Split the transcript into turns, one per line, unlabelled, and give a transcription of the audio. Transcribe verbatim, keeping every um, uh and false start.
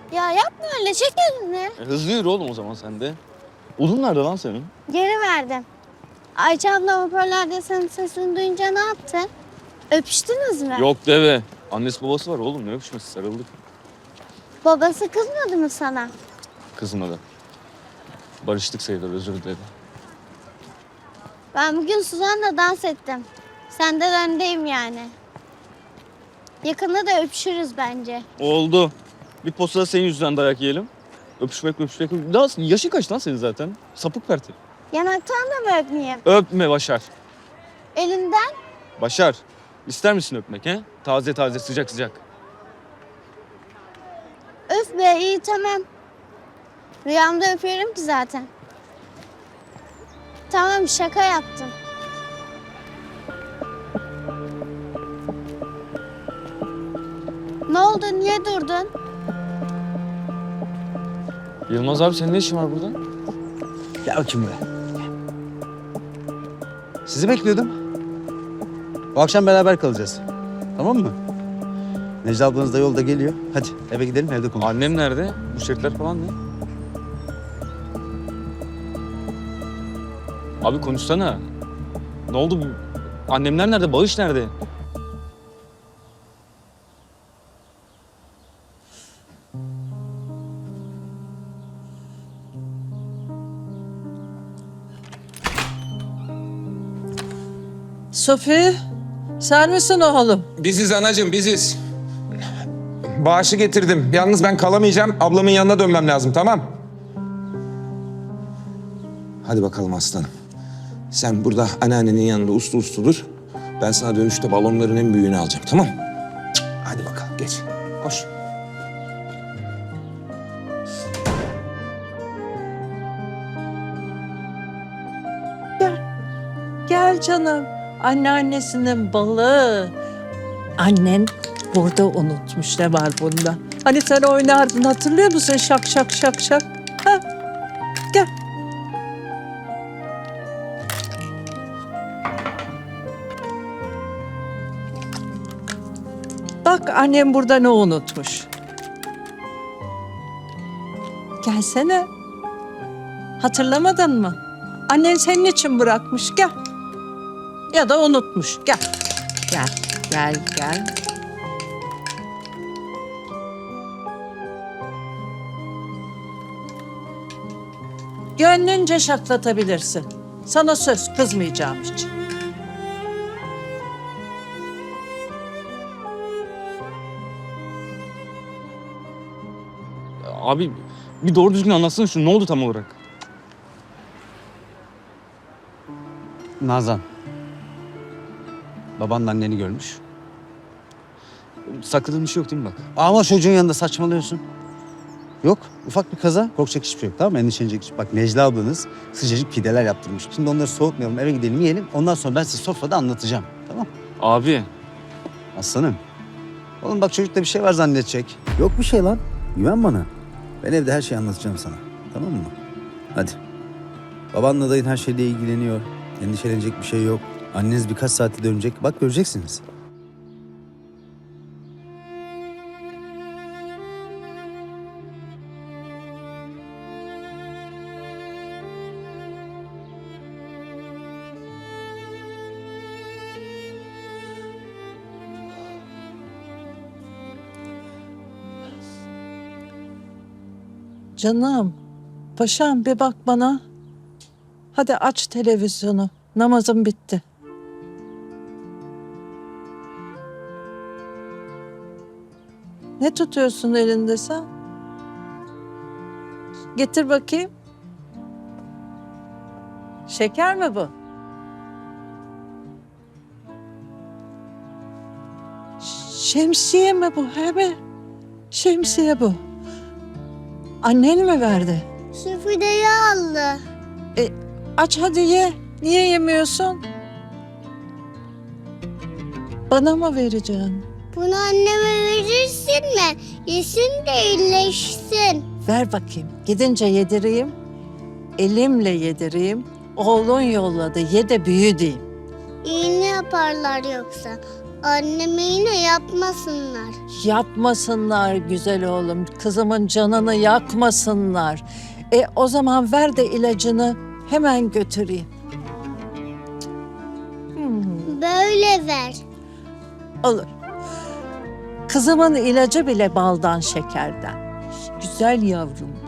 Ya yapma öyle, çek elini.
E, hızlı yürü oğlum o zaman sen de. Odun nerede lan senin?
Geri verdim. Ayça abla hoparlörde senin sesini duyunca ne yaptı? Öpüştünüz mü?
Yok deve. Annesi babası var oğlum, ne öpüşmesi, sarıldık.
Babası kızmadı mı sana?
Kızmadı. Barıştık sayılır, özür diledi.
Ben bugün Suzan'la dans ettim. Senden öndeyim yani. Yakında da öpüşürüz bence.
Oldu. Bir postada senin yüzünden dayak yiyelim. Öpüşmek öpüşmek. Daha yaşın kaç lan senin zaten? Sapık perti.
Yanaktan da mı öpmeyeyim?
Öpme Başar.
Elinden?
Başar. İster misin öpmek he? Taze taze, sıcak sıcak.
Öf be, iyi tamam. Rüyamda öpüyorum ki zaten. Tamam, şaka yaptım. Ne oldu, niye durdun?
Yılmaz abi, senin ne işin var burada?
Gel bakayım buraya. Sizi bekliyordum. Bu akşam beraber kalacağız. Tamam mı? Necla ablanız da yolda geliyor. Hadi eve gidelim, evde konuşalım.
Annem nerede? Bu şirketler falan ne? Abi konuşsana. Ne oldu? Annemler nerede? Bağış nerede?
Sofi, sen misin oğlum?
Biziz anacığım, biziz. Bağışı getirdim. Yalnız ben kalamayacağım. Ablamın yanına dönmem lazım, tamam? Hadi bakalım aslanım. Sen burada anneannenin yanında uslu uslu dur. Ben sana dönüşte balonların en büyüğünü alacağım, tamam? Cık, hadi bakalım, geç. Koş.
Gel canım. Anneannesinin balı. Annen burada unutmuş, ne var bunda? Hani sen oynardın, hatırlıyor musun? Şak şak şak şak. Ha? Gel. Bak, annem burada ne unutmuş. Gelsene. Hatırlamadın mı? Annen senin için bırakmış, gel. Ya da unutmuş, gel. Gel, gel, gel. Gönlünce şaklatabilirsin. Sana söz, kızmayacağım hiç.
Abi bir doğru düzgün anlatsana şunu. Ne oldu tam olarak?
Nazan. Babanla anneni görmüş.
Sakladığın bir şey yok değil mi bak?
Ama çocuğun yanında saçmalıyorsun. Yok, ufak bir kaza. Korkacak hiçbir şey yok, tamam mı? Endişelenecek hiçbir şey. Bak, Necla ablanız sıcacık pideler yaptırmış. Şimdi onları soğutmayalım, eve gidelim, yiyelim. Ondan sonra ben size sofrada anlatacağım, tamam?
Abi.
Aslanım. Oğlum bak, çocukta bir şey var zannedecek. Yok bir şey lan. Güven bana. Ben evde her şeyi anlatacağım sana. Tamam mı? Hadi. Babanla dayın her şeyle ilgileniyor. Endişelenecek bir şey yok. Anneniz birkaç saate dönecek. Bak, göreceksiniz.
Canım, paşam bir bak bana. Hadi aç televizyonu. Namazım bitti. Ne tutuyorsun elinde sen? Getir bakayım. Şeker mi bu? Şemsiye mi bu? He mi? Şemsiye bu. Annen mi verdi?
Süfreyi aldı.
E, aç hadi ye. Niye yemiyorsun? Bana mı vereceksin?
Bunu anneme verirsin mi? Yesin de iyileşsin.
Ver bakayım. Gidince yedireyim. Elimle yedireyim. Oğlun yolladı. Ye de büyü diyeyim.
İğne yaparlar yoksa. Anneme yine yapmasınlar.
Yapmasınlar güzel oğlum. Kızımın canını yakmasınlar. E o zaman ver de ilacını hemen götüreyim. Hmm,
Böyle ver.
olur. Kızımın ilacı bile baldan şekerden. Güzel yavrum.